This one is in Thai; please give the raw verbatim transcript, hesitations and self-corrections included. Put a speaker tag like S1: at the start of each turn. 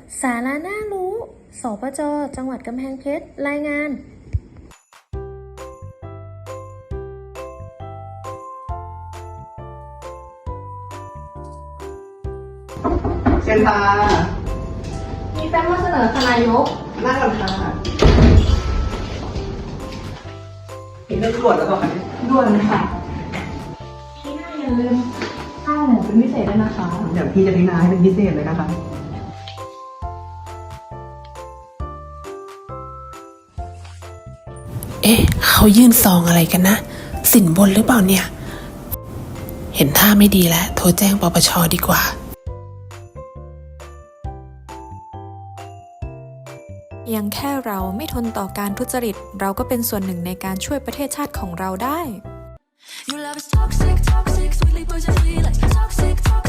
S1: สาระน่ารู้ สปจ.จังหวัดกำแพงเพชร รายงาน
S2: เชิญค่ะ
S3: มีแฟ้มมาเสนอค่ะนายก
S2: นั่งก่อนค่ะเห็นเรื่องด่วนแล้วเปล่าคะเนี่ย
S3: ด่วนค่ะพี่น่าอย่าลืมข้าวหมูเป็นพิเศษด้วยนะคะ
S2: เดี๋ยวพี่จะพิจารณาให้เป็นพิเศษเลยนะคะ
S4: เอ๊ะเขายื่นซองอะไรกันนะ สินบนหรือเปล่าเนี่ย เห็นท่าไม่ดีแล้ว โทรแจ้งปปช.ดีกว่า
S5: เพียงแค่เราไม่ทนต่อการทุจริต เราก็เป็นส่วนหนึ่งในการช่วยประเทศชาติของเราได้
S6: Your love is toxic, toxic, sweetly poisonous, like toxic, toxic.